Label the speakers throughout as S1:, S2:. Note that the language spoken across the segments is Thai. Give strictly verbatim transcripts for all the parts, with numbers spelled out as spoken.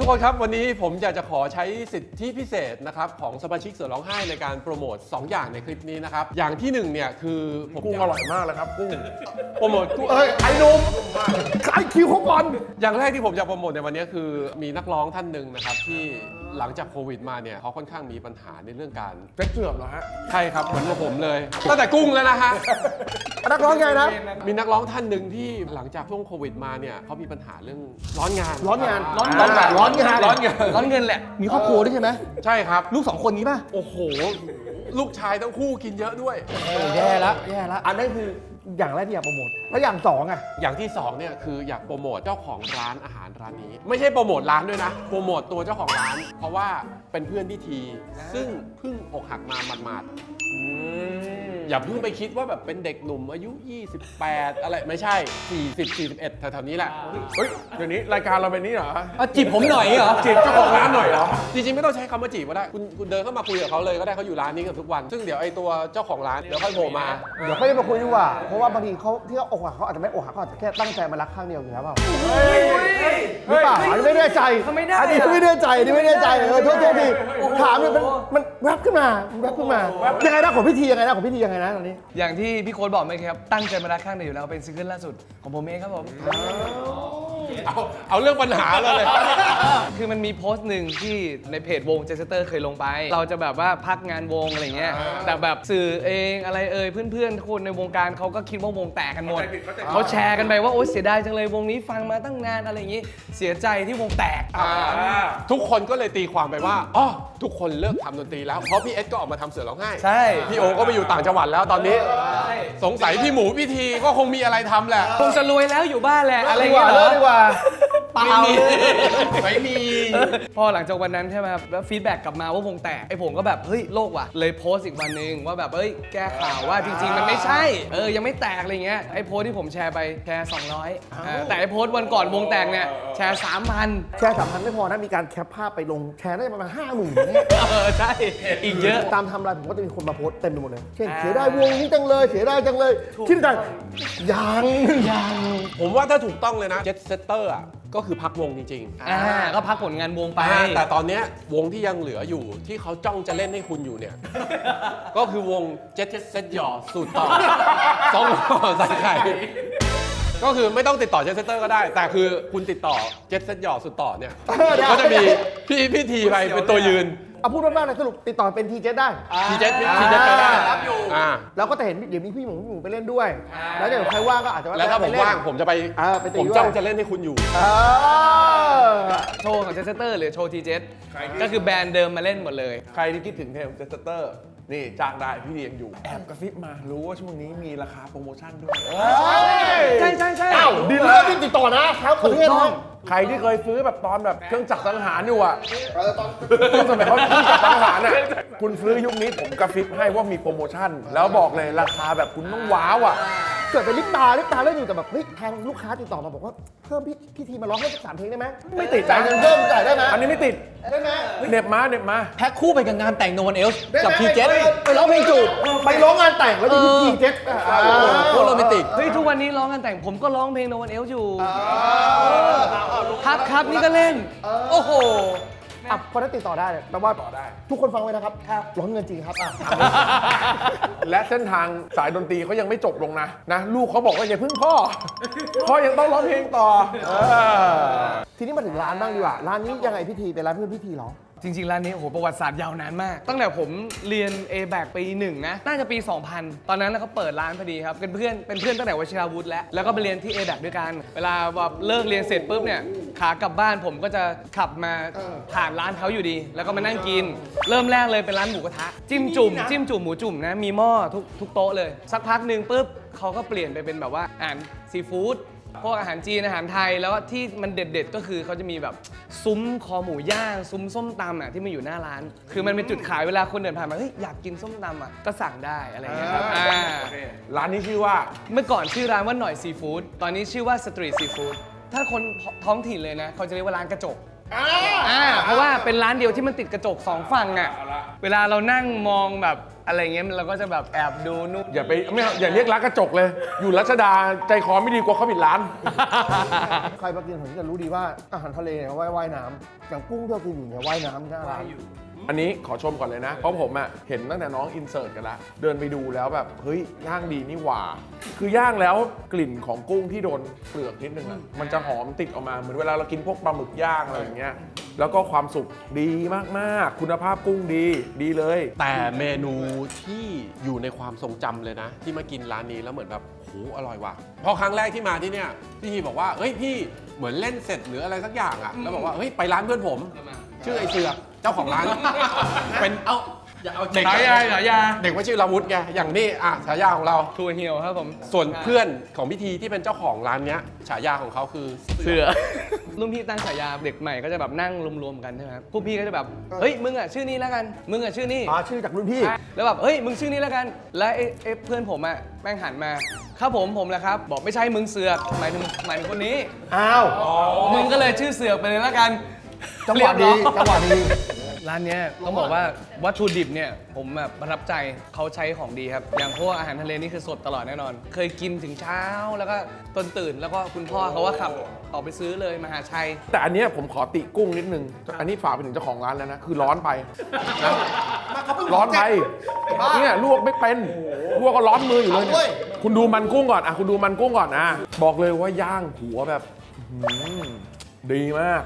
S1: กคนครับวันนี้ผมอยากจะขอใช้สิทธิพิเศษนะครับของสมาชิกเสือร้องไห้ในการโปรโมทสองอย่างในคลิปนี้นะครับอย่างที่หนึ่งเนี่ยคือผม
S2: กุ้งอร่อยมากเลยครับกุ้ง
S1: โปรโมทกุ้ง
S2: เอ้ยไอ้หนุ่มขายคิวเขาก่อน
S1: อย่างแรกที่ผมจะโปรโมทในวันนี้คือมีนักร้องท่านหนึ่งนะครับที่หลังจากโควิดมาเนี่ยเขาค่อนข้างมีปัญหาในเรื่องการ
S2: เฟซเสื่อมเหรอฮะ
S1: ใช่ครับเหมือนกับผมเลยตั้งแต่กุ้งแล้วนะฮะ
S2: นักร้องไงนะ
S1: มีนักร้องท่านหนึ่งที่หลังจากช่วงโควิดมาเนี่ยเขามีปัญหาเรื่องร้อนงาน
S2: ร้อนงาน
S3: ร้อน
S2: ร้อนงานร้อนงาน
S1: ร้อนงาน
S3: ร้อนเงินแหละ มีครอบครัวด้วยใช่ไหม
S1: ใช่ครับ
S3: ลูกสองคนนี้ป่ะ
S1: โอ้โหลูกชายทั้งคู่กินเยอะด้วย
S3: แย่ละแย่ละ
S2: อันนั้นคืออย่างแรกที่อยากโปรโมทแล้วอย่างสองอ่ะ
S1: อย่างที่สองเนี่ยคืออยากโปรโมทเจ้าของร้านอาหารร้านนี้ ไม่ใช่โปรโมทร้านด้วยนะโปรโมทตัวเจ้าของร้าน เพราะว่าเป็นเพื่อนพี่ทีซึ่งเพิ่งอกหักมาหมาดๆอย่าเพิ่งไปคิดว่าแบบเป็นเด็กหนุ่มอายุยี่สิบแปดอะไรไม่ใช่สี่สิบ สี่สิบเอ็ดแถวๆนี้แหละ
S2: เฮ้ยเดี๋ยวนี้รายการเราเป็นนี้เหรอ
S3: เอาจีบผมหน่อยเหรอ
S2: จีบเจ้าของร้านหน่อยเหรอ
S1: จริงๆไม่ต้องใช้คำว่าจีบก็ได้คุณคุณเดินเข้ามาคุยกับเขาเลยก็ได้เขาอยู่ร้านนี้กันทุกวัน ซึ่งเดี๋ยวไอ้ตัวเจ้าของร้านเดี๋ยวค่อยโผล่มา
S2: เดี๋ยวค่อยมาคุยดีกว่าเพราะว่าบางทีเขาที่เขาอกหักเขาอาจจะไม่อกหักเขาอาจจะแค่ตั้งใจมารักข้างเดียวอยู่แล้วเปล่าหรือเปล่าอันนี้ไม่แน่ใจ
S3: เขาไม่ได้
S2: อันนี้ไม่แน่ใจอันนี้ไม่แน่ใจเออโทษโทษทีถามเนี่ยมันมันแวบขึ้นมามันแวบขึ้นมายังไงนะของพิธียังไงนะของพิธียังไงนะตอนนี้
S3: อย่างที่พี่โค้ดบอกไหมครับ ตั้งใจมารักข้างเดียวอยู่แล้วเป็นซิงเกิลล่าสุดของผมเองครับผม
S1: เอาเอาเรื่องปัญหาเลยเลย
S3: คือมันมีโพสต์หนึ่งที่ในเพจวงเจสเตอร์เคยลงไป เราจะแบบว่าพักงานวงอะไรเงี้ย แต่แบบสื่อเองอะไรเอ่ยเพื่อนๆคนในวงการเขาก็คิดว่าวงแตกกันหมด เขาแชร์กันไปว่าโอ๊ยเสียดายจังเลยวงนี้ฟังมาตั้งนานอะไรอย่างงี้ เสียใจที่วงแตก
S1: ทุกคนก็เลยตีความไปว่าอ๋อทุกคนเลิกทำดนตรีแล้วเพราะพี่เอสก็ออกมาทำเสือร้องไห้
S3: ใช่
S1: พี่โอก็ไปอยู่ต่างจังหวัดแล้วตอนนี้ สงสัยพี่หมูพี่ทีก็คงมีอะไรทำแหละ
S3: คงจะรวยแล้วอยู่บ้านแหละอะไร
S2: ดี
S3: อก ย่าง
S2: ว่า
S3: เงี้ยเหร
S2: เลิ
S3: อก
S2: ดีกว่า
S3: เปล่าเลย
S1: ไม่มี
S3: พอหลังจากวันนั้นใช่ไหมครับแล้วฟีดแบ็กกลับมาว่าวงแตกไอ้ผมก็แบบเฮ้ยโลกว่ะเลยโพสต์อีกวันหนึ่งว่าแบบเฮ้ยแก้ข่าวว่าจริง ๆ มันไม่ใช่เออยังไม่แตกอะไรเงี้ยไอ้โพสต์ที่ผมแชร์ไปแชร์สองร้อยอ่าแต่ไอ้โพสต์วันก่อนวงแตกเนี่ยแชร์สามพัน
S2: แชร์สามพันไม่พอนะมีการแคปภาพไปลงแชร์ได้ประมาณห้าหมื่นเนี่ย
S3: เออใช่อีกเยอะ
S2: ตามไทม์ไลน์ผมก็จะมีคนมาโพสต์เต็มไปหมดเลยเช่นเสียดายวงนี้จังเลยเสียดายจังเลยคิดในใจยังยัง
S1: ผมว่าถ้าถูกต้องเลยนะเจ็ตเซตเตอร์อ่ะก็คือพักวงจริงๆ
S3: อ่าก็พักผลงานวงไป
S1: อ่าแต่ตอนเนี้ยวงที่ยังเหลืออยู่ที่เขาจ้องจะเล่นให้คุณอยู่เนี่ย ก็คือวงเจ็ตเซตหยอสูตรต่อสองห่อใส่ไข่ก็คือไม่ต้องติดต่อเจ็ตเซตเตอร์ก็ได้ แต่คือคุณติดต่อเจ็ตเซตหยอสุดต่อเนี่ยก็จะมีพี่พี่ทีไปเป็นตัวยืน
S2: เอาพูดมากๆเลยสรุปติดต่อเป็นทีเจได้
S1: ทีเจ็ตทีเจ็ตไปได้อ่า
S2: แล้วก็จะเห็นเดี๋ยวมีพี่หมูพี่หมูไปเล่นด้วย แล้วเดี๋ยวใครว่างก็อาจจะ
S1: แล้วถ้าผมว่างผมจะไป
S2: เออไปตี
S1: ผม
S2: ด้วย
S1: จ้องจะเล่นให้คุณอยู่
S2: เออ
S3: โชว์ของเจสเตอร์หรือโชว์ทีเจก็คือแบรนด์เดิมมาเล่นหมดเลย
S4: ใครที่คิดถึงเทมเจสเตอร์นี่จ้างได้พี่เลี้ยงอยู่ แอบกระซิบมารู้ว่าช่วงนี้มีราคาโปรโมชั่นด้วย
S3: ใช่ใช่ใช่
S2: เอ้าดีลเลอร์ที่ติดต่อนะครับประเทศน้อง
S4: ใครที่เคยซื้อแบบตอนแบบเครื่องจักรสังหารอยู่อ่ะตอนสมัยเขาเครื่องจักรสังหารอ่ะคุณซื้อยุคนี้ผมกระซิบให้ว่ามีโปรโมชั่น แล้วบอกเลยราคาแบบคุณต้องว้าวอ่ะ
S2: เกิดเป็นลิปตาลิปตาเล่นอยู่แต่แบบเฮ้ยทางลูกค้าติดต่อมาบอกว่าเพิ่มพี่พี่ทีมาร้องให้สักสามเพลงได้ไหม
S4: ไม่ติด
S2: จ่ายเงินเพิ่มจ่ายได้ไหม
S4: อันนี้ไม่ติด
S2: ได้ไหม
S4: เหน็บมาเหน็บมา
S3: แพ็คคู่ไปกับงานแต่งโนวันเอลส์
S2: ได้ไหม
S3: กับทีเจ
S2: ไปไปร้องเพลงจูบไปร้องงานแต่งแล้วมีทีเจ
S1: โคตรโรแมนติก
S3: เฮ้ยทุกวันนี้ร้องงานแต่งผมก็ร้องเพลงโนวันเอลส์อยู่ครับครับนี่ก็เล่น โอ้โห
S2: อ่ะพอได้ติดต่อได้เนี่ยแปลว่าทุกคนฟังไว้นะครับร้องเงินจริงครับอ่ะ
S4: และเส้นทางสายดนตรีเขายังไม่จบลงนะนะลูกเขาบอกว่าอย่าพึ่งพ่อ พ่อยังต้องร้องเพลงต่อเออ
S2: ทีนี้มาถึงร้านบ้างดีกว่าร้านนี้ยังไงพิธีเป็นร้านเพื่อนพิธีเหรอ
S3: จริงๆร้านนี้โอ้โหประวัติศาสตร์ยาวนานมาก ตั้งแต่ผมเรียน เอ แบค ปีหนึ่งนะ น่าจะปี สองพัน ตอนนั้นเขาเปิดร้านพอดีครับ เป็นเพื่อนเป็นเพื่อนตั้งแต่วชิราวุธแล้ว แล้วก็ไปเรียนที่ เอ แบค ด้วยกัน เวลาแบบเลิกเรียนเสร็จปุ๊บเนี่ยขากลับบ้านผมก็จะขับมาผ่านร้านเขาอยู่ดี แล้วก็มานั่งกิน เริ่มแรกเลยเป็นร้านหมูกระทะ จิ้มจุ่มจิ้มจุ่มหมูจุ่มนะ มีหม้อทุกทุกโต๊ะเลย สักพักหนึ่งปุ๊บเขาก็เปลี่ยนไปเป็นแบบว่าอาหารซีฟู้ด พวกอาหารจีนอาหารไทยแล้วที่มันเด็ดๆก็คือเขาจะมีแบบซุ้มคอหมูย่างซุ้มส้มตำอ่ะที่มันอยู่หน้าร้าน คือมันเป็นจุดขายเวลาคนเดินผ่านมาเฮ้ยอยากกินส้มตำอ่ะก็สั่งได้อะไรอย่างเงี้ยครับอ่า
S4: ร้านนี้ชื่อว่า
S3: เมื่อก่อนชื่อร้านว่าหน่อยซีฟู้ดตอนนี้ชื่อว่าสตรีทซีฟู้ดถ้าคนท้องถิ่นเลยนะเขาจะเรียกว่าร้านกระจกอ่าเพราะว่าเป็นร้านเดียวที่มันติดกระจกสองฝั่งอ่ะเวลาเรานั่งมองแบบอะไรเงี้ยเราก็จะแบบแอบดูนู่น
S4: อย่าไปไม่เอาอย่าเรียกร้านกระจกเลย อยู่รัชดาใจคอไม่ดีกว่าเขาปิดร้าน
S2: ใครมากินผมจะรู้ดีว่าอาหารทะเลเนี่ยว่ายว่ายน้ำอย่างกุ้งที่เรากินอยู่เนี่ยว่ายน้ำหน้าร้าน
S4: อันนี้ขอชมก่อนเลยนะ เพราะผมอะเห็นตั้งแต่น้องอินเสิร์ตกันละเดินไปดูแล้วแบบ เฮ้ย ย่างดีนี่หว่า คือย่างแล้วกลิ่นของกุ้งที่โดนเปลือกนิดนึงอะมันจะหอมติดออกมา เหมือนเวลาเรากินพวกปลาหมึกย่างอะไรอย่างเงี้ย แล้วก็ความสุกดีมากๆ คุณภาพกุ้งดี ดีเลย
S1: แต่เมนูที่อยู่ในความทรงจำเลยนะ ที่มากินร้านนี้แล้วเหมือนแบบโหอร่อยว่ะพอครั้งแรกที่มาที่เนี่ยพี่ฮีบอกว่าเฮ้ยพี่เหมือนเล่นเสร็จหรืออะไรสักอย่างอ่ะแล้วบอกว่าเฮ้ยไปร้านเพื่อนผม ชื่อไอเสือกเจ้าของร้าน เป็นเอาอย่าเอาเด็ก
S3: ฉายาฉายา
S1: เด็กว่าชื่อลาวุธไงอย่างนี้อ่ะฉายาของเรา
S3: ทัวเหี่ยวครับผม
S1: ส่วนเพื่อนของพิธีที่เป็นเจ้าของร้านเนี้ยฉายาของเขาคือ
S3: เสือ รุ่นพี่ตั้งฉายาเด็กใหม่ก็จะแบบนั่งรวมๆกันใช่ไหมครับพวกพี่ก็จะแบบเฮ้ยมึงอ่ะชื่อนี้แล้วกันมึงอ่ะชื่อนี้
S2: อ๋อชื่อจากรุ่นพี่
S3: แล้วแบบเฮ้ยมึงชื่อนี้แล้วกันแล้วไอ้ไอ้เพื่อนผมอ่ะแม่งหันมาครับผมผมแหละครับบอกไม่ใช่มึงเสือกหมายถึงหมายถึงคนนี้
S2: อ้าว
S3: มึงก็เลยชื่อเสือกไปเลยแล้วกัน
S2: จังหวะดีจังหวะดี
S3: ร้านเนี้ยต้องบอกว่าวัตถุดิบเนี่ยผมแบบประทับใจเขาใช้ของดีครับ อย่างพวกอาหารทะเลนี่คือสดตลอดแน่นอน เคยกินถึงเช้าแล้วก็ตอนตื่นแล้วก็คุณพ่อเขาว่าขับออกไปซื้อเลยมหาชัย
S4: แต่อันเนี้ยผมขอติกุ้งนิดนึง อันนี้ฝากไปถึงเจ้าของร้านแล้วนะ คือร้อนไปนะร้อนไปเนี่ยลวกไม่เป็นลวกก็ร้อนมืออยู่เลยเนี่ยคุณดูมันกุ้งก่อนอ่ะคุณดูมันกุ้งก่อนอ่ะบอกเลยว่าย่างหัวแบบอื้อหือดีมาก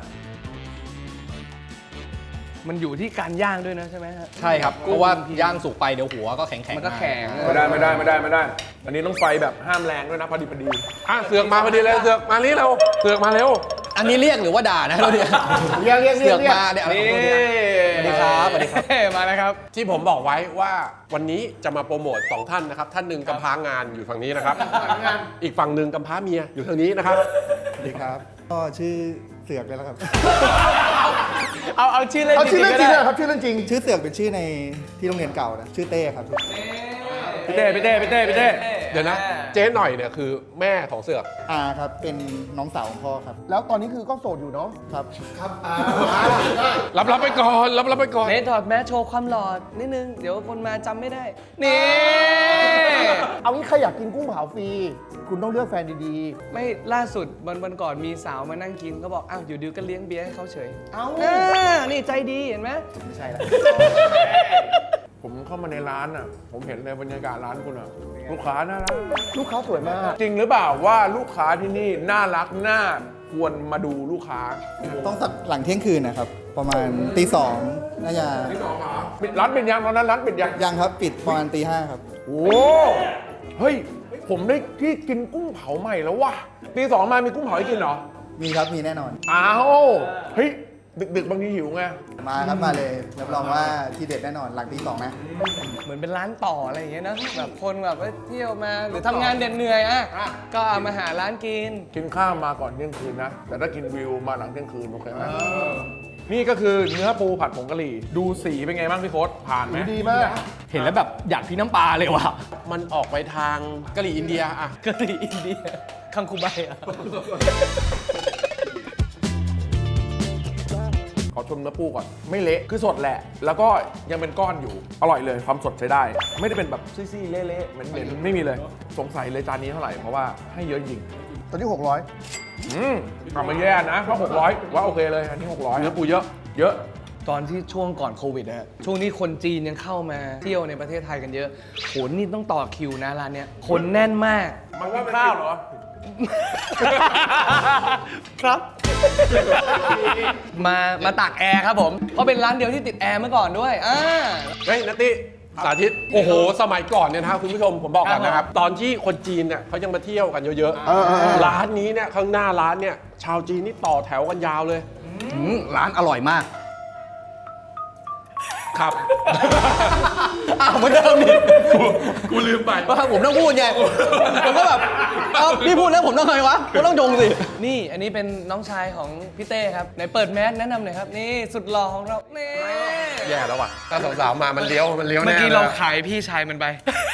S3: มันอยู่ที่การย่างด้วยนะใช่ไหมฮะ
S5: ใช่ครับ เพราะว่าย่างสุกไปเดี๋ยวหัวก็แข็งๆ
S3: มันก็แข็ง
S4: ไม่ได้ไม่ได้ไม่ได้ไม่ได้ อันนี้ต้องไฟแบบห้ามแรงด้วยนะพอดีพอดี
S1: อ่ะเสือกมาพอดีเลยเสือกมานี่เร็วเสือกมาเร็ว
S5: อันนี้เรียกหรือว่าด่านะเราเนี่ย
S2: เรียกเรียกเรี
S5: เสื
S2: ย
S5: อก ก
S2: เรียก
S5: มาเนี่ยอะไร
S3: นี่
S5: ของเราเนี่ยสวัสดีครับสวัสดีครับ
S3: มาแล้วครับ
S1: ที่ผมบอกไว้ว่าวันนี้จะมาโปรโมทสองท่านนะครับ ท่านหนึ่งกำพร้างานอยู่ฝั่งนี้นะครับ อีกฝั่งหนึ่งกำพร้าเมียอยู่ทางนี้นะครับ
S6: สวัสดีครับ ก็ชื่อเสือกเลยแล้วครับ
S3: เอาเอาชื่อเล่น
S2: เอาชื่อเล่นจริง
S3: ๆ
S2: เลย
S3: ก็ได้
S2: ครับชื่อเล่นจริง
S6: ชื่อเสือกเป็นชื่อในที่โรงเรียนเก่านะ ชื่อเต้ครับ
S4: พี่เต้พี่เต้พี่เต้พี่เต้
S1: เดี๋ยวนะ เจ๊หน่อยเนี่ยคือแม่ของเสือก
S6: อาครับ เป็นน้องสาวของพ่อครับ
S2: แล้วตอนนี้คือก็โสดอยู่เนาะ
S6: ครับ
S1: รับรับไปก่อนรับรับไปก่อน
S3: เนทถอดแมสโชว์ความหล่อนิดนึง เดี๋ยวคนมาจำไม่ได้ นี่
S2: เอางี้ใครอยากกินกุ้งเผาฟรี คุณต้องเลือกแฟนดี
S3: ไม่ล่าสุดวันวันก่อนมีสาวมานั่งกินก็บอกอ้าวอยู่ดิวก็เลี้ยงเบียร์ให้เขาเฉย
S2: ๆ เอ้า
S3: อ่านี่ใจดีเห็นไหม
S6: ไม่ใช่แล้ว
S4: ผมเข้ามาในร้านอ่ะ ผมเห็นในบรรยากาศร้านคุณอ่ะ ลูกค้าน่ารัก
S2: ลูกค้าสวยมาก
S4: จริงหรือเปล่าว่าลูกค้าที่นี่น่ารักน่าควรมาดูลูกค้า
S6: ต้องสักหลังเที่ยงคืนนะครับ ประมาณตีสองน่าจะ
S4: ปิดร้านเป็นยังตอนนั้นร้านปิดยัง
S6: ยังครับ ปิดประมาณตีห้าครับ
S4: โอ้เฮ้ย ผมได้ที่กินกุ้งเผาใหม่แล้วว่ะตีสองมามีกุ้งเผาให้กินเหรอ
S6: มีครับ มีแน่นอน
S4: อ้าวเฮ้ยดึกๆบางทีหิวไง
S6: มาครับ มาเลย รับรองว่าทีเด็ดแน่นอน หลังตีสองนะ
S3: เหมือนเป็นร้านต่ออะไรอย่างเงี้ยนะแบบคนแบบว่าเที่ยวมาหรือทำงานเด็ดเหนื่อยอ่ะก็เอามาหาร้านกิน
S4: กินข้าวมาก่อนเที่ยงคืนนะ แต่ถ้ากินวิวมาหลังเที่ยงคืนโอเคไหมนี่ก็คือเนื้อปูผัดผงกะหรี่ ดูสีเป็นไงบ้างพี่โค้ดผ่านไหม
S2: ดีมาก
S5: เห็นแล้วแบบอยากพี่น้ำปลาเลยว่ะ
S1: มันออกไปทางกะหรี่อินเดียอ่ะ
S3: กะหรี่อินเดียคังคูใบอ่ะ
S4: ขอชมเนื้อปูก่อน ไม่เละคือสดแหละ แล้วก็ยังเป็นก้อนอยู่ อร่อยเลยความสดใช้ได้ ไม่ได้เป็นแบบซี่ๆเละๆเหม็นๆไม่มีเลย สงสัยเลยจานนี้เท่าไหร่ เพราะว่าให้เยอะจริง
S2: ตอนนี้หกร้อย
S4: อืมกลับมาแย่นะเพราะหกร้อยว่าโอเคเลย อันนี้หกร้อย
S1: เนื้อปูเยอะ
S4: เยอะ
S3: ตอนที่ช่วงก่อนโควิดนะฮะช่วงนี้คนจีนยังเข้ามาเที่ยวในประเทศไทยกันเยอะโหนี่ต้องต่อคิวนะร้านเนี้ยคนแน่นมาก
S4: มันว่าข้าวเหรอ
S3: ครับ มามาตากแอร์ครับผม เพราะเป็นร้านเดียวที่ติดแอร์เมื่อก่อนด้วยอ่า
S1: เฮ้ยนัตติสาธิต โอ้โห สมัยก่อนเนี่ยนะครับคุณผู้ชมผมบอกก่อนนะครับ ตอนที่คนจีนเนี่ยเขายังมาเที่ยวกันเยอะ
S2: เออเออเออ
S1: ร้านนี้เนี่ยข้างหน้าร้านเนี่ยชาวจีนนี่ต่อแถวกันยาวเลย
S5: อืมร้านอร่อยมาก
S1: ครับ
S5: อ้าวเหมือนเดิมนี่
S1: กูลืมไป
S5: ว่าผมต้องพูดไง ผมก็แบบเอ้าพี่พูดแล้วผมต้องทำไงวะผมต้องจงสิ
S3: นี่อันนี้เป็นน้องชายของพี่เต้ครับไหนเปิดแมสแนะนำหน่อยครับ นี่สุดหล่อของเรา นี่
S1: แย่แล้วว่ะถ้าสาวๆมามันเลี้ยวมันเลี้ยว
S3: เมื่อ
S1: แน่
S3: กี้
S1: เล
S3: เรา
S1: ย
S3: ขายพี่ชายมันไป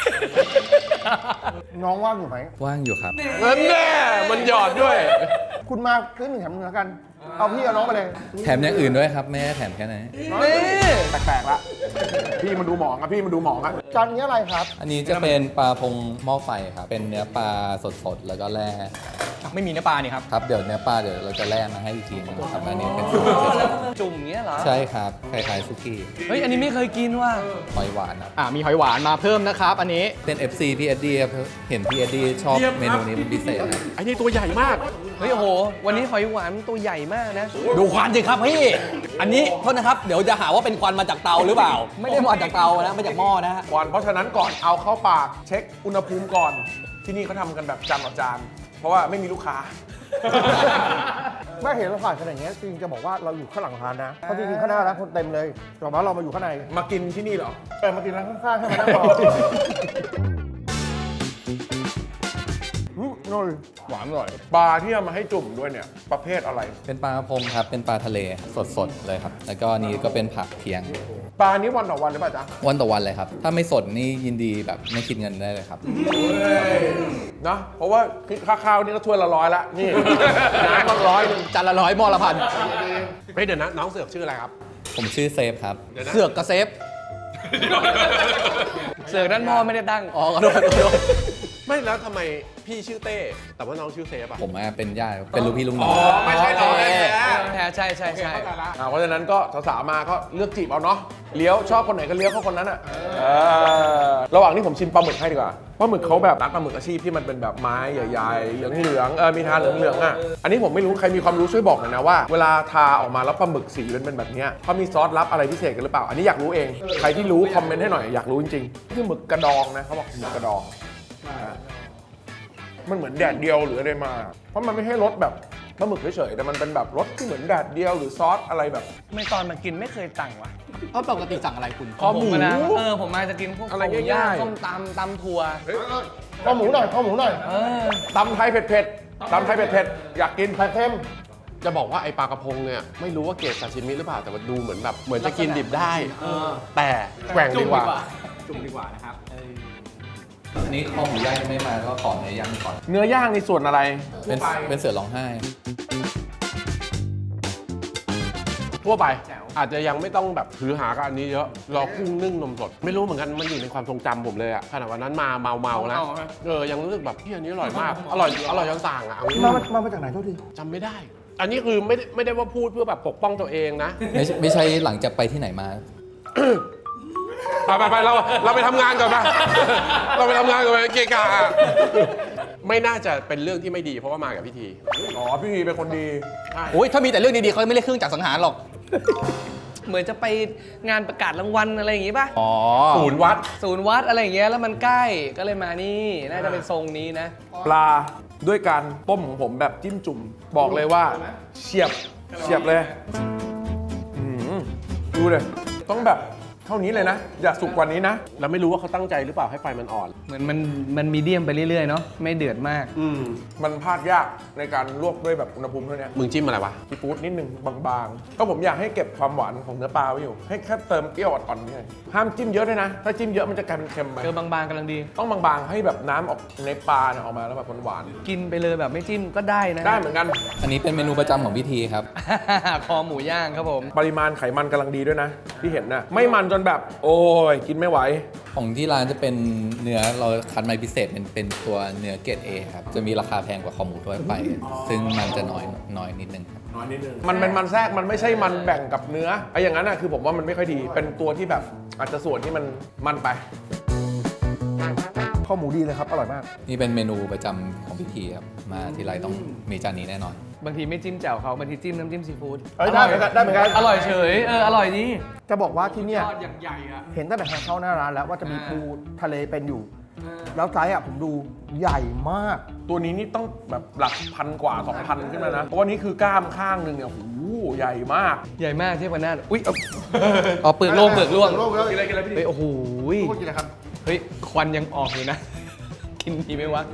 S2: น้องว่างอยู่ไหม
S5: ว่างอยู่ครับ
S1: เงินแน่มันหยอดด้วย
S2: คุณมาซื้อหนึ่งแถมหนึ่งแล้วกันเอาพี่เอาน้องมาเลย
S6: แถมอย่างอื่นด้วยครับ ไม่ได้แถมแค่นั้น
S3: นี่
S4: แปลกๆละพี่มันดูหมองอะพี่มันดูหมองอะ
S2: จานนี้อะไรครับ
S6: อันนี้จะเป็นปลาพงหม้อไฟครับ เป็นเนื้อปลาสดๆ แล้วก็แร่
S5: ไม่มีเนื้อปลานี่ครับ
S6: ครับ เดี๋ยวเนื้อปลาเดี๋ยวเราจะแร่มาให้อีกทีนึงครับ อันนี้เป็น
S3: จุ่มอย่างเงี้ยเหรอ
S6: ใช่ครับ คล้ายๆซุกี้
S3: เฮ้ย อันนี้ไม่เคยกินว่ะ
S6: หอยหวานครับ
S5: อ่ามีหอยหวานมาเพิ่มนะครับ อันนี้
S6: เป็น เอฟ ซี พี่เอ็ดดี้ครับเห็นพี่เอ็ดดี้ชอบเมนูนี้เป็นพิเศษครับ
S1: ไอ้นี่ตัวใหญ่มาก
S3: เฮ้ยโอ้โห วันนี้หอยหวานตัวใหญ่มากนะ
S5: ดูควันสิครับพี่ อันนี้โทษนะครับ เดี๋ยวจะหาว่าเป็นควันมาจากเตาหรือเปล่า ไม่ได้มาจากเตานะมาจากหม้อนะฮะ
S4: ก่อนเพราะฉะนั้นก่อนเอาเข้าปากเช็คอุณหภูมิก่อน ที่นี่เขาทำกันแบบจานต่อจาน เพราะว่าไม่มีลูกค้า
S2: ไม่เห็นเราผ่านขนาดนี้จริงจะบอกว่าเราอยู่ข้างหลังร้านนะเพราะจริงๆข้างหน้าร้านคนเต็มเลยแต่ว่าเรามาอยู่ข้างใน
S4: มากินที่นี่เหรอ
S2: เออมากินร้านข้างๆให้มานั่งรออืมอร่อย
S4: หวานอร่อย ปลาที่เอามาให้จุ่มด้วยเนี่ย ประเภทอะไร
S6: เป็นปลากระพงครับ เป็นปลาทะเลสดๆ เลยครับ แล้วก็อันนี้ก็เป็นผักเคียง
S4: ปลานี้วันต่อวันหรือเปล่าจ๊ะ
S6: วันต่อวันเลยครับ ถ้าไม่สดนี่ยินดีแบบไม่คิดเงินได้เลยครับ
S4: เนอะเพราะว่าค่าข้าวนี่ก็ถ้วยละร้อยละนี่ น้ำก็ร้อยหนึ่ง
S5: จานละร้อยหม้อละพัน
S1: เฮ้ยเดี๋ยวนะน้องเสือกชื่ออะไรครับ
S6: ผมชื่อเซฟครับ
S5: เสือกกระเซฟ
S3: เสือกด้านพ่อไม่ได้ตั้ง
S5: อ๋อขอโทษขอโทษ
S1: ไม่แล้วทำไมพี่ชื่อเต้ แต่ว่าน้องชื่อเซฟอะ
S6: ผมอะเป็นญาติเป็นลูกพี่ลูกน้อง
S1: ไม่ใช่น้องแท้
S3: แท้ใช่ใช่ใช่
S4: อ่าเพราะฉะนั้นก็สาวๆมาก็เลือกจีบเอาเนาะ เลี้ยวชอบคนไหนก็เลี้ยวเข้าคนนั้นอ่ะเออระหว่างนี้ผมชิมปลาหมึกให้ดีกว่าปลาหมึกเขาแบบร้านปลาหมึกอาชีพที่มันเป็นแบบไม้ใหญ่ๆ เหลืองๆ เออ มีทาเหลืองๆอ่ะ อันนี้ผมไม่รู้ใครมีความรู้ช่วยบอกหน่อยนะว่า เวลาทาออกมาแล้วปลาหมึกสีเป็นแบบเนี้ยเขามีซอสลับอะไรพิเศษกันหรือเปล่า อันนี้อยากรู้เอง ใครที่รู้คอมเมนต์ให้หน่อยอยากรู้จริงๆคือหมึกกระดองนะเขาบอกหมึกกระดอง มันเหมือนแดดเดียวหรืออะไรมา เพราะมันไม่ให้รสแบบปลาหมึกเฉยๆแต่มันเป็นแบบรสที่เหมือนแดดเดียวหรือซอสอะไรแบบ
S3: ไม่ตอนมากินไม่เคยสั่งว่ะ
S5: เพราะปกติสั่งอะไรคุณ
S4: คอหมู
S3: ผะนะเออ ผมมาจะกินพวก
S4: อะไร
S3: ข้วหมู
S4: ง่ายๆ
S3: ส้มตำตำถั่ว
S2: ข้าวหมูหน่อยข้าวหมูหน่อย
S3: เออ
S4: ตำไทยเผ็ดๆตำไทยเผ็ดๆอยากกิน
S2: ไข่เค็ม
S1: จะบอกว่าไอปลากระพงเนี่ยไม่รู้ว่าเกรดซาชิมิหรือเปล่าแต่ว่าดูเหมือนแบบเหมือนจะกินดิบได้ แต่แกว่งดีกว่า
S5: จุ่มดีกว่านะครับ
S6: อันนี้ข้อหมูย่างยังไม่มาก็ขอเนื้อย่างก่อน
S4: เนื้อย่างในส่วนอะไร
S6: เป็นเป็นเสือร้องไห้
S1: ทั่วไป อาจจะยังไม่ต้องแบบถือหากับอันนี้เยอะรอกุ้งนึ่งนมสด ไม่รู้เหมือนกันมันอยู่ในความทรงจำผมเลยอะขนาดวันนั้นมาเมาเมาๆนะเออยังรู้สึกแบบพี่อันนี้อร่อยมาก อร่อยอร่อยจนสั่งอะเอางี้
S2: มามามาจากไหนโทษที
S1: จำไม่ได้ อันนี้คือไม่ได้ไม่ได้ว่าพูดเพื่อแบบปกป้องตัวเองนะ
S6: ไม่ใช่ไม่ใช่หลังจากไปที่ไหนมา
S1: ไปไปไปเราเราไปทำงานก่อนไปเราไปทำงานก่อนไปเกะกะอะไม่น่าจะเป็นเรื่องที่ไม่ดีเพราะว่ามากับพิธี
S4: อ๋อ พี่พีเป็นคนดี
S5: โอ้ยถ้ามีแต่เรื่องดีๆเขาไม่เรียกเครื่องจักรสังหารหรอก
S3: เหมือนจะไปงานประกาศรางวัลอะไรอย่างงี้ป่ะ
S5: อ๋อ
S1: ศูนย์วัด
S3: ศูนย์วัดอะไรอย่างเงี้ยแล้วมันใกล้ก็เลยมานี่ น่าจะเป็นทรงนี้นะ
S4: ปลาด้วยการต้มของผมแบบจิ้มจุ่ม บอกเลยว่าเฉียบเฉียบเลยอืมดูเลย ต้องแบบเท่านี้เลยนะ อย่าสุกกว่านี้นะ
S1: เราไม่รู้ว่าเขาตั้งใจหรือเปล่าให้ไฟมันอ่อน
S3: เหมือนมันมันมีเดียมไปเรื่อยๆเนาะไม่เดือดมาก
S1: อืม
S4: มันพลาดยากในการลวกด้วยแบบอุณหภูมิเท่านี้
S1: มึงจิ้มอะไรวะ
S4: ซีฟู้ดนิดนึงบางๆก็ผมอยากให้เก็บความหวานของเนื้อปลาไว้อยู่ ให้แค่เติมเปรี้ยวอ่อนๆนี่ห้ามจิ้มเยอะด้วยนะ ถ้าจิ้มเยอะมันจะกลายเป็นเค็มไป
S3: เจอบางๆกำลังดี
S4: ต้องบางๆให้แบบน้ำออกในปลาเนี่ยออกมาแล้วแบบหวาน
S3: กินไปเลยแบบไม่จิ้มก็ได้นะ
S4: ๆได้เหมือนกัน
S6: อันนี้เป็นเมนูประจำของพิธีครับ
S3: คอหมูย่างครับผม
S4: ปริมาณไขมันกำลังดีด้วยนะ ที่เห็นนะไม่มันจนแบบ โอ้ยกินไม่ไหว
S6: ของที่ร้านจะเป็นเนื้อเราคัดมาพิเศษเป็นเป็นตัวเนื้อเกรด A ครับ จะมีราคาแพงกว่าคอหมูทั่วไป ซึ่งมันจะน้อยน้อยนิดนึงครับ
S4: มันเป็นมันแทรกมันไม่ใช่มันแบ่งกับเนื้อไอ้อย่างนั้นนะคือผมว่ามันไม่ค่อยดี เป็นตัวที่แบบอาจจะส่วนที่มันมันไป
S2: ข้าวหมูดีเลยครับ อร่อยมาก
S6: นี่เป็นเมนูประจำของพิธีครับ มาทีไรต้องมีจานนี้แน่นอน
S3: บางทีไม่จิ้มแจ่วเขาบางทีจิ้มน้ำจิ้มซีฟู้ด
S2: เอ้ยได้เหมือนกันได้เหมือนกัน
S3: อร่อยเฉยเอออร่อยดี
S2: จะบอกว่าที่เนี่ย
S3: ยอดอย่างใหญ่อะ
S2: เห็นตั้งแต่ทางเข้าหน้าร้านแล้วว่าจะมี
S3: อ่า
S2: ปูทะเลเป็นอยู่ แล้วไซส์อ่ะผมดูใหญ่มาก
S4: ตัวนี้นี่ต้องแบบหลักพันกว่า สองพัน ขึ้นมานะ เพราะว่านี่คือกล้ามข้างหนึ่งเนี่ยโอ้โหใหญ่มาก
S3: ใหญ่มากเทียบกันหน้าอุ้ยเอาอ๋อเปลือกโล่งเปลือกร่วง
S2: โล่งเลย
S4: กินอะไรกินอะไรพี่
S3: เฮ้ยโอ้โห
S2: พูดกินอะไรครับ
S3: เฮ้ยควันยังออกอยู่นะ กินดีไหมวะ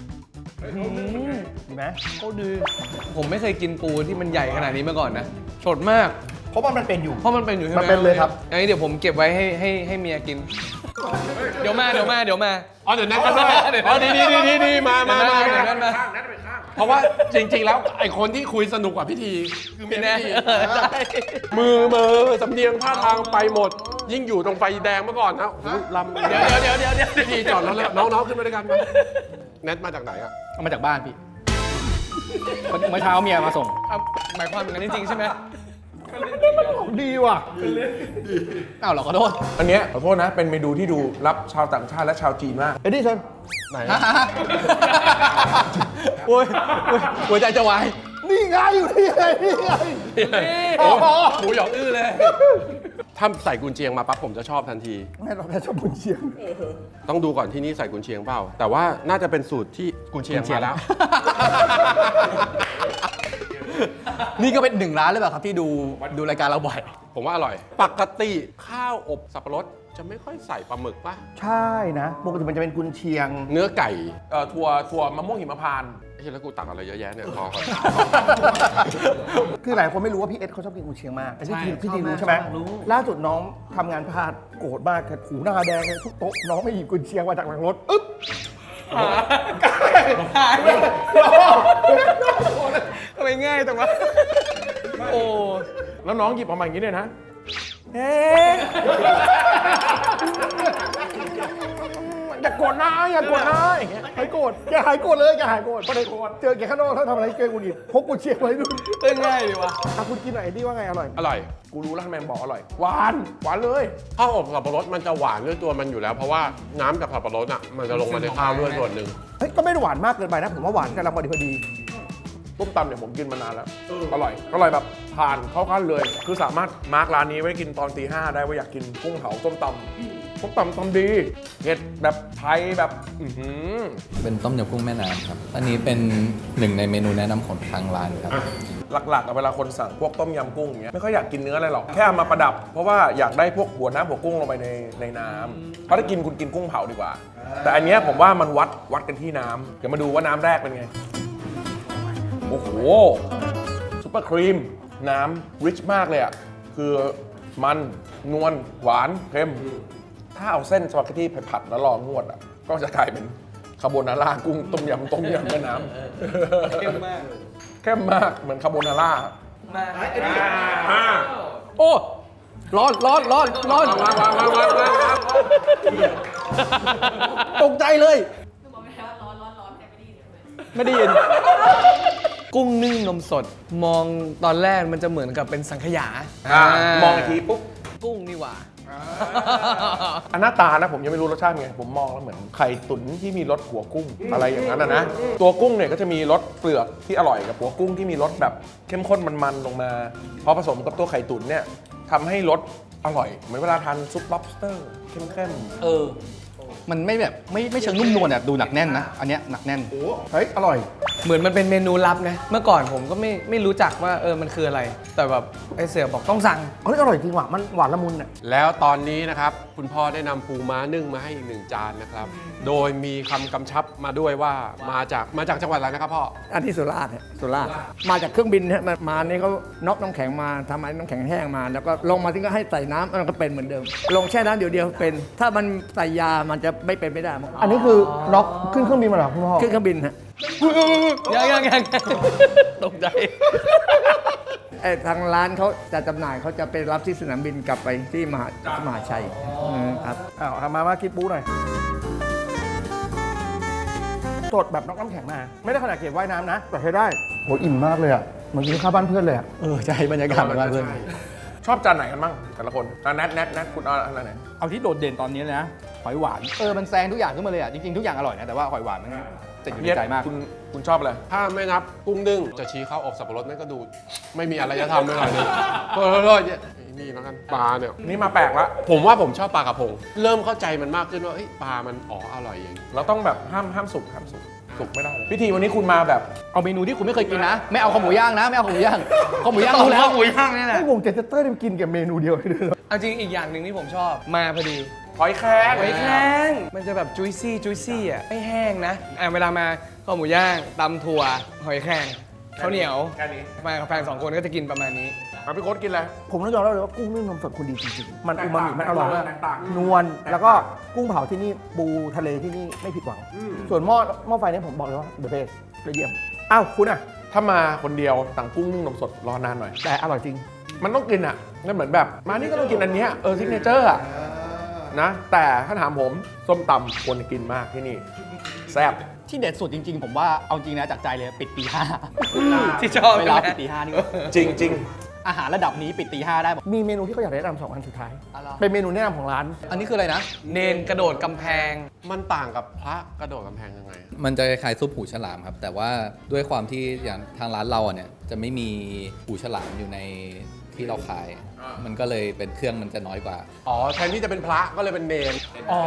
S2: ดีไหม
S3: ก็ดีผมไม่เคยกินปูที่มันใหญ่ขนาดนี้มาก่อนนะสดมาก
S2: เพราะว่ามันเป็นอยู่
S3: เพราะมันเป็นอยู่ใช่ไหม
S2: มันเป็นเลยครับ
S3: อันนี้เดี๋ยวผมเก็บไว้ให้ให้ให้เมียกินเดี๋ยวมาเดี๋ยวมาเดี๋ยวมา
S1: อ๋อเดี๋ยวแนทมาด้วยอ๋อดีดีดีดีดีมามามา
S3: เดี๋ยวแนทมา
S1: เพราะว่าจริง ๆ แล้วไอ้คนที่คุยสนุกกว่าพิธีคือเมีย
S3: แน่
S1: พิธี
S3: เออใช่
S1: มือมือสำเนียงท่าทางไปหมด ยิ่งอยู่ตรงไฟแดงเมื่อก่อนนะโอ้โหลำ
S3: เดี๋ยวเดี๋ยวเดี๋ยวเดี๋ยวเดี๋ยว
S1: พิธีจอดแล้วแล้วน้องๆขึ้นมาด้วยกันมาแนทมาจากไหนอ่ะ
S7: เอามาจากบ้านพี่ เมื่อเช้าเมียมาส่ง
S3: เอาหมายความอย่างนั้นจริงๆใช่ไหม
S2: ดีว่ะ
S7: อ้าวเหรอขอโทษ
S4: อันเนี้ยขอโทษนะ เป็นเมนูที่ดูรับชาวต่างชาติและชาวจีนมาก
S2: เอ็ดดี้เชิญ
S1: ไหน
S7: โอ้ยโอ้ยหัวใจจะวาย
S2: นี่ไงอยู่นี่ไงนี่ไง
S1: โอ้โหหมูหยองอื้อเลย ถ้าใส่กุนเชียงมาปั๊บผมจะชอบทันที
S2: แม่เราแค่ชอบบุญเชียง
S1: ต้องดูก่อนที่นี่ใส่กุนเชียงเปล่า แต่ว่าน่าจะเป็นสูตรที่กุนเชียงมาแล้ว
S7: นี่ก็เป็นหนึ่งร้านเลยเปล่าครับที่ดูดูรายการเราบ่อย
S1: ผมว่าอร่อย ปกติข้าวอบสับปะรดจะไม่ค่อยใส่ปลาหมึกป่ะ
S2: ใช่นะปกติมันจะเป็นกุนเชียง
S1: เนื้อไก่
S4: เอ่อถั่วถั่วมะม่วงหิมพานต์
S1: เฮ้ยแล้วกูตักอะไรเยอะแยะเนี่ยพอก่อน
S2: คือหลายคนไม่รู้ว่าพี่เอสเขาชอบกินกุนเชียงมากแต่พี่
S7: ใช่
S2: ทีพี่ที
S7: ชอบมาก
S2: รู้ใช่ไหม
S7: ชอบมากรู้
S2: ล่าสุดน้องทำงานพลาดโกรธมากแค่หูหน้าแดงเลยทุกโต๊ะน้องไม่หยิบกุนเชียงมาจากหลังรถอึ๊บ
S3: ทำไมง่ายจังวะโอ้
S4: แล้วน้องหยิบออกมาอย่างนี้เลยนะ อย่ากดนะอย่ากดนะอย่างเงี้ย
S2: หายโกรธอย่าหายโกรธเลยอย่าหายโกรธไม่ได้โกรธเจอแกข้างนอกถ้าทำอะไรเกินกุนอิดพกกุนเชียงไว้ดู
S3: เอ้ยง่ายดีวะ
S2: อ่ะคุณกินหน่อยเอ็ดดี้ว่าไงอร่อย
S1: อร่อย
S4: กูรู้แล้วทำไมมันบอกอร่อย หวาน หวานเลย
S1: ข้าวอบสับปะรดมันจะหวานด้วยตัวมันอยู่แล้ว เพราะว่าน้ำจากสับปะรดอ่ะมันจะลงมาในข้าวด้วยส่วนหนึ่ง
S2: เฮ้ยก็ไม่ได้หวานมากเกินไปนะผมว่าหวานกำลังพอดีพอดี
S4: ต้มตำเนี่ยผมกินมานานแล้ว อร่อย อร่อยแบบผ่านเข้าขั้นเลย คือสามารถมาร์กร้านนี้ไว้กินตอนตีห้าได้ว่าอยากกินกุ้งเผาต้มตำต้มตำตำดีเผ็ดแบบไทยแบบอื้อหือ
S6: เป็นต้มยำกุ้งแม่น้ำครับ อันนี้เป็นหนึ่งในเมนูแนะนำของทางร้านครับ
S4: หลักๆอะเวลาคนสั่งพวกต้มยำกุ้งอย่างเงี้ยไม่ค่อยอยากกินเนื้ออะไรหรอก แค่เอามาประดับ เพราะว่าอยากได้พวกหัวน้ำหัวกุ้งลงไปในในน้ำเพราะถ้ากินคุณกินกุ้งเผาดีกว่า แต่อันเนี้ยผมว่ามันวัดวัดกันที่น้ำเดี๋ยวมาดูว่าน้ำแรกเป็นไง โอ้โหซุปเปอร์ครีม น้ำริชมากเลยอ่ะ คือมันนวลหวานเค็ม ถ้าเอาเส้นสปาเกตตี้ไปผัดแล้วรองวดอ่ะ ก็จะกลายเป็นคาโบนาร่ากุ้งต้มยำต้มยำแม่น้ำ
S3: เข้มมาก
S4: เข้มมากเหมือนคาโบนาร่า
S3: มา
S4: อ่า
S7: โอ้ ร้อนร้อนร้อนร้อน
S1: วางวางวางวางวางวาง
S7: ตกใจเลย
S8: คือบอกไม่ได้ว่าร้อนร้อนร้อนแต่ไม่ได้ยินใช่ไหม
S7: ไม่ได้ยิน
S3: กุ้งนึ่งนมสด มองตอนแรกมันจะเหมือนกับเป็นสังขยา
S4: อ่ามองอีกทีปุ๊บ
S3: กุ้งนี่หว่า
S4: อันหน้าตานะผมยังไม่รู้รสชาติเป็นไง ผมมองแล้วเหมือนไข่ตุ๋นที่มีรสหัวกุ้งอะไรอย่างนั้นนะนะ ตัวกุ้งเนี่ยก็จะมีรสเปลือกที่อร่อยกับหัวกุ้งที่มีรสแบบเข้มข้นมันๆลงมา พอผสมกับตัวไข่ตุ๋นเนี่ยทำให้รสอร่อย เหมือนเวลาทานซุป lobster เข้มๆ
S7: เออ มันไม่แบบไม่ไม่เชิงนุ่มนวลอ่ะดูหนักแน่นนะ อันเนี้ยหนักแน่น
S2: เฮ้ยอร่อย
S3: เหมือนมันเป็นเมนูลับนะ เมื่อก่อนผมก็ไม่ไม่รู้จักว่าเออมันคืออะไร แต่แบบไอเสือบอกต้องสั่ง
S2: เฮ้ยอร่อยจริงว่ะมันหวานละมุนอ่ะ
S1: แล้วตอนนี้นะครับ คุณพ่อได้นำปูม้านึ่งมาให้อีกหนึ่งจานนะครับ โดยมีคำกำชับมาด้วยว่ามาจากมาจากจังหวัดอะไรนะครับพ่อ
S9: อันที่สุราษฎร์ฮะสุราษฎร์มาจากเครื่องบินฮะมามานี่เขาน็อกน้ำแข็งมาทำไอ้น้ำแข็งแห้งมา แล้วก็ลงมาที่ก็ให้ใส่น้ำมันก็เป็นเหมือนเดิม ลงแช่น้ำเดี๋ยวเดียวเป็น ถ้ามันใส่ยามันจะไม่เป็นไม่ได้
S2: อันนี้คือน็อกขึ้นเครื่องบินมาเหรอคุณพ่อ
S9: ขึ้นเครื่องบินฮะ
S3: ยังยังยังตกใจ
S9: ไอ้ทางร้านเขาจะจำหน่ายเขาจะไปรับที่สนามบินกลับไปที่มหามหาชัยมครับ
S2: อ้าวเอามามากินปูหน่อยสดแบบน็อกน้ำแข็งมา ไม่ได้ขนาดเก็บว่ายน้ำนะ แต่ใช้ได้โหอิ่มมากเลยอ่ะเหมือนกินข้าวบ้านเพื่อนเลยอ่ะ
S7: เออ ใช่บรรยากาศมันมากเลย
S4: ชอบจานไหนกันบ้างแต่ละคนอ่ะแนทแนทแนทคุณเอาอะไรไหน
S7: เอาที่โดดเด่นตอนนี้เลยนะ หอยหวาน เออ มันแซงทุกอย่างขึ้นมาเลยอ่ะ จริงๆ ทุกอย่างอร่อยนะ แต่ว่าหอยหวานมันติดอยู่ในใจมาก
S4: คุณคุณชอบอะไร
S1: ถ้าไม่นับกุ้งนึ่งจะชี้ข้าวอบสับปะรดนั่นก็ดูไม่มีอะไรจะทำไม่หน่อยนึงโทษโทษโทษนี่แล้วกันปลาเนี่ย
S4: นี่มาแปลกละ
S1: ผมว่าผมชอบปลากระพง เริ่มเข้าใจมันมากขึ้นว่าเอ้ยปลามันอ๋ออร่อยอย่างนี้
S4: เราต้องแบบห้ามห้ามสุกห้ามสุกสุกไม่ได้เลยพิธีวันนี้คุณมาแบบ
S7: เอาเมนูที่คุณไม่เคยกินนะ ไม่เอาข้าวหมูย่างนะ ไม่เอาข้าวหมูย่างข้าวหมูย่างรู้แล้ว
S3: ข้าวหมูย่างนี่แหละ
S2: ไอ้วงเจสเตอร์เนี่ยมันกินกับเมนูเดียวเลยเหรอ
S3: เอาจริงอีกอย่างหนึ่งที่ผมชอบมาพอดี
S4: หอยแครง
S3: หอยแครงมันจะแบบจุยซี่จุยซี่อ่ะไม่แห้งนะอ่ะเวลามาข้าวหมูย่างตำถั่วหอยแครงข้าวเหนียว
S4: แค่นี้
S3: มากับแฟนสองคนก็จะกินประมาณนี้
S4: มาพี่โค้ดกินอะไร
S2: ผมต้องยอมรับเลยว่ากุ้งนึ่งนมสดคุณดีจริงๆ มันอูมามิมันอร่อยมาก
S4: แตกต่าง
S2: นวลแล้วก็กุ้งเผาที่นี่ปูทะเลที่นี่ไม่ผิดหวัง ส่วนหม้อหม้อไฟเนี่ยผมบอกเลยว่าเดอะเบสเลยเยี่ยมอ้าวคุณอ่ะ
S4: ถ้ามาคนเดียวสั่งกุ้งนึ่งนมสดรอนานหน่อย
S2: แต่อร่อยจริง
S4: มันต้องกินอ่ะนั่นเหมือนแบบ มานี่ก็ต้องกินอันเนี้ยเออซิกเนเจอร์อ่ะนะ แต่ถ้าถามผมส้มตำควรกินมากที่นี่แซ่บ
S5: ที่เด็ดสุดจริง ๆ ผมว่าเอาจริงนะจากใจเลยปิดตีห้า
S3: ที่ชอบ
S5: เวลา
S3: ใช่ไหม
S5: ปิดตีห้านี่
S4: จริงจริง
S5: อาหารระดับนี้ปิดตีห้าได้บอก
S2: มีเมนูที่เขาอยากแนะนำสองอันสุดท้าย
S5: อะไร
S2: เป็นเมนูแนะนำของร้าน
S5: อันนี้คืออะไรนะ
S3: เนนกระโดดกำแพง
S1: มันต่างกับพระกระโดดกำแพงยังไง
S6: มันจะคล้ายๆซุปหูฉลามครับ แต่ว่าด้วยความที่อย่างทางร้านเราอะเนี่ยจะไม่มีหูฉลามอยู่ในที่เราขาย มันก็เลยเป็นเครื่องมันจะน้อยกว่า
S1: อ๋อ แทนที่จะเป็นพระก็เลยเป็นเนร
S3: อ๋อ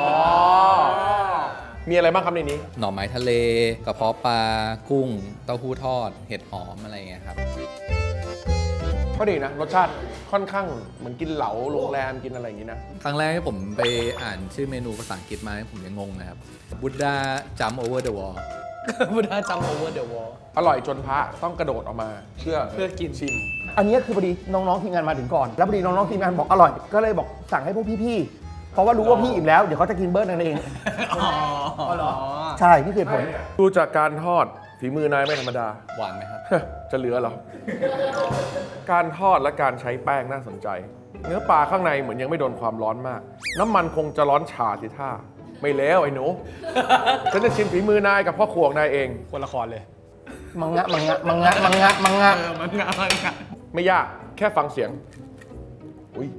S4: มีอะไรบ้างครับในนี้
S6: หน่อไม้ทะเล กระเพาะปลา กุ้ง เต้าหู้ทอด เห็ดหอมอะไรอย่างเงี้ยครับ
S4: ก็ดีนะ รสชาติค่อนข้างเหมือนกินเหลาโรงแรมกินอะไรอย่างนี้นะ
S6: ครั้งแรกที่ผมไปอ่านชื่อเมนูภาษาอังกฤษมาผมยังงงนะครับ Buddha Jump Over the Wall
S3: บุดาจัมโอเวอร์เดอะวอล
S4: อร่อยจนพระต้องกระโดดออกมาเพื่อ
S3: เพื่อกิน
S4: ชิม
S2: อันนี้คือพอดีน้องๆทีมงานมาถึงก่อน แล้วพอดีน้องๆทีมงานบอกอร่อย ก็เลยบอกสั่งให้พวกพี่ๆ เพราะว่ารู้ว่าพี่อิ่มแล้ว เดี๋ยวเขาจะกินเบิร์ดนั่นเอง
S3: อ๋อเหรอ
S2: ใช่นี่คือเหตุผล
S4: ดูจากการทอดฝีมือนายไม่ธรรมดา
S6: หวานไหมครับ
S4: จะเหลือเหรอ การทอดและการใช้แป้งน่าสนใจ เนื้อปลาข้างในเหมือนยังไม่โดนความร้อนมาก น้ำมันคงจะร้อนฉาสิท่า ไม่แล้วไอ้หนู ฉันจะชิมฝีมือนายกับพ่อครัวของนายเอง
S3: คนละครเลย
S2: มังงะมังงะมังงะมังงะมังงะ
S3: เออมันงามันงา
S4: ไม่ยากแค่ฟังเสียง อุ้ย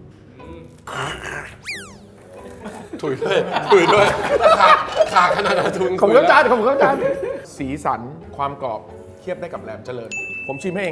S1: ถุยด้วยถุยด้วยขาดขาดขนาดนั้นถุย
S2: ขอบคุณครับอาจารย์ขอบคุณครับอาจารย์
S4: สีสันความกรอบเทียบได้กับแหลมเจริญ ผมชิมให้เอง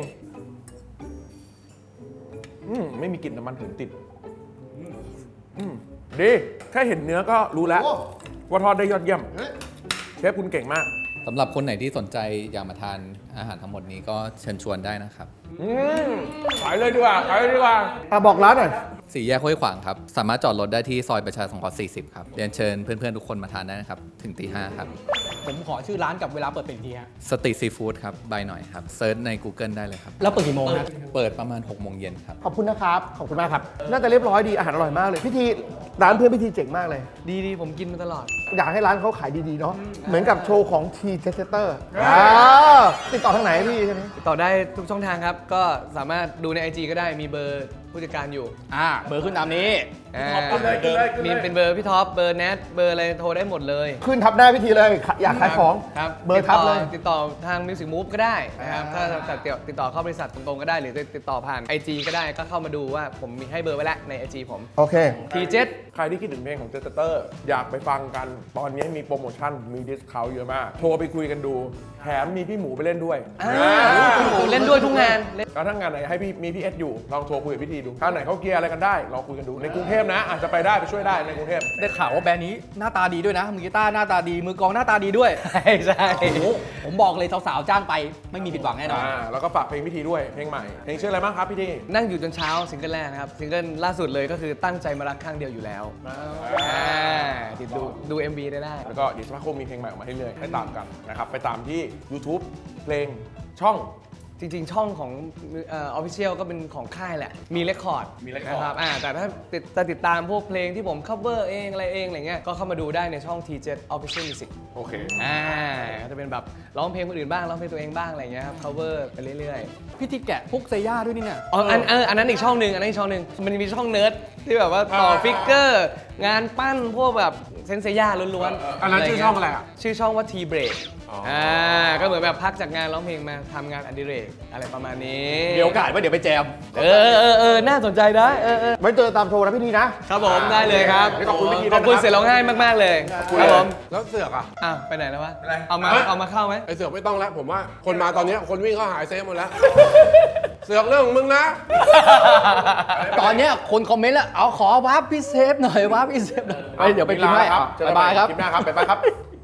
S4: อืมไม่มีกลิ่นน้ำมันหืนติด อืมดีแค่เห็นเนื้อก็รู้แล้ว ว่าทอดได้ยอดเยี่ยม เชฟคุณเก่งมาก
S6: สำหรับคนไหนที่สนใจอยากมาทานอาหารทั้งหมดนี้ก็เชิญชวนได้นะครับ
S4: อืมขายเลยดีกว่าขายเลยดีกว่า
S2: อ่ะบอกร้านหน่อย
S6: สี่แยกห้วยขวางครับ สามารถจอดรถได้ที่ซอยประชาสงเคราะห์สี่สิบครับ เรียนเชิญเพื่อนๆทุกคนมาทานได้นะครับ ถึงตีห้าครับ
S5: ผมขอชื่อร้านกับเวลาเปิดเป็นทีฮะ
S6: สตรีทซีฟู้ดครับ บายหน่อยครับ เซิร์ชใน Google ได้เลยครับ
S5: แล้วเปิดกี่โมงนะ
S6: เปิดประมาณหกโมงเย็นครับ
S2: ขอบคุณนะครับ ขอบคุณมากครับ น่าจะเรียบร้อยดี อาหารอร่อยมากเลย พิธีร้านเพื่อนพิธีเจ๋งมากเลย
S3: ดีดีผมกินมาตลอด
S2: อยากให้ร้านเขาขายดีๆเนาะ เหมือนกับโชว์ของทีเจสเตอร์อ่าติดต่อทางไหนพี่ใช่ไหม
S3: ติดต่อได้ทุกช่องทางครับ ก็สามารถดูใน ไอ จี ก็ได้มีเบอร์ผู้จัดการอยู่
S5: อ่า เบอร์ขึ้นตามนี้
S3: อ่า
S4: ขึ้นเลยขึ้นเลยขึ้นเลย
S3: มีเป็นเบอร์พี่ท็อป เบอร์แนท เบอร์อะไรโทรได้หมดเลย
S2: ขึ้นทับหน้าพิธีเลย อยากขายของ
S3: ครับ
S2: เบอร์ทับเลย
S3: ติดต่อติดต่อทาง Music Move ก็ได้นะครับ ถ้าติดต่อติดต่อเข้าบริษัทตรงๆก็ได้ หรือติดต่อผ่าน ไอ จี ก็ได้ ก็เข้ามาดูว่าผมมีให้เบอร์ไว้แล้วใน ไอ จี ผม
S2: โอเค
S3: ที เจ็ด
S4: ใครที่คิดถึงเพลงของเจสเตอร์ อยากไปฟังกัน ตอนนี้มีโปรโมชั่น มีดิสคาวเยอะมาก โทรไปคุยกันดู แถมมีพี่หมูไปเล่นด้วย
S3: เล่นด้วยทุกงานเล่น
S4: ก็ถ้างานไหนให้พี่มีพี่เอสอยู่ ลองโทรคุยกับพี่ทีดูถ้าไหนเขาเกียร์อะไรกันได้ ลองคุยกันดู ในกรุงเทพนะ อาจจะไปได้ไปช่วยได้ในกรุงเทพ
S5: ได้ข่าวว่าแบรนด์นี้หน้าตาดีด้วยนะ มือกีตาร์หน้าตาดี มือกลองหน้าตาดีด้วย
S3: ใช่ใช่
S5: โอ้โหผมบอกเลยสาวๆจ้างไปไม่มีผิดหวังแน่นอน
S4: อ่า แล้วก็ฝากเพลงพี่ทีด้วย เพลงใหม่ เพลงชื่ออะไรบ้างครับพี่ที
S3: นั่งอยู่จนเช้าซิงเกิลแรกนะครับ ซิงเกิลล่าสุดเลยก็คือตั้งใจมารักข้างเดียวอยู่แล้วอ่าติดดูดู เอ็ม วี ได้ได้
S4: แล้วก็เดี๋ยวสักพักคงมีเพลงใหม่ออกมาให้เรื่อยๆให้ตามกันนะครับ ไปตามที่ YouTube เพลงช่อง
S3: จริงๆ ช่องของเออฟฟิเชียลก็เป็นของค่ายแหละ มีเรคคอร์ด
S4: มี record
S3: นะครับอ่าแต่ถ้าติดจะติดตามพวกเพลงที่ผม cover เองอะไรเองอะไรเงี้ย ก็เข้ามาดูได้ในช่อง ที เจ็ด Official Music
S4: โอเค
S3: อ่าก็จะเป็นแบบร้องเพลงคนอื่นบ้าง ร้องเพลงตัวเองบ้างอะไรเงี้ยครับ cover ไปเรื่อย
S5: พี่ที่แกะพวกเซย่าด้วยนี่เนี่ย
S3: ๆ อ๋อ อันเอออันนั้นอีกช่องหนึ่งอันนั้นอีกช่องหนึ่งมันมีช่องเนิร์ดที่แบบว่าต่อฟิกเกอร์ งานปั้นพวกแบบเซนเซย่าล้วนๆ
S4: อันนั้นชื่อช่องอะไรอ่ะ
S3: ชื่อช่องว่า T Break
S4: อ๋ออ่
S3: อ่าก็เหมือนแบบพักจากงานร้องเพลงมาทำงานอดิเรกอะไรประมาณนี้
S5: มีโอกาสว่าเดี๋ยวไปแจม
S3: เออเออเออน่าสนใจนะเออเออ
S2: ไว้เจอตามโชว์นะพี่ทีนะ
S3: ครับผมได้เลยครับ
S4: ขอบคุณพี่ทีด้วย
S3: ขอบคุณ
S4: นะครับ
S3: เสียร้องไห้มาก ๆ เลยครับผม
S1: แล้วเสือกอ่ะ
S3: อ่ะไปไหนแล้ววะ
S4: อะไร
S3: เอามาเอามาเข้าไหม
S1: ไอเสือกไม่ต้องแล้ว ผมว่าคนมาตอนเนี้ยคนวิ่งเข้าหายเซฟหมดแล้ว เสือกเรื่องของมึงนะ
S5: ตอนเนี้ยคนคอมเมนต์แล้วเอาขอวาร์ปพี่เซฟหน่อยวาร์ปพี่เซฟหน่อยไปเดี๋ยวไปกินให้
S4: ครับ
S5: บ๊ายบายครับ
S4: คลิปหน้าครับบ๊ายบายครับ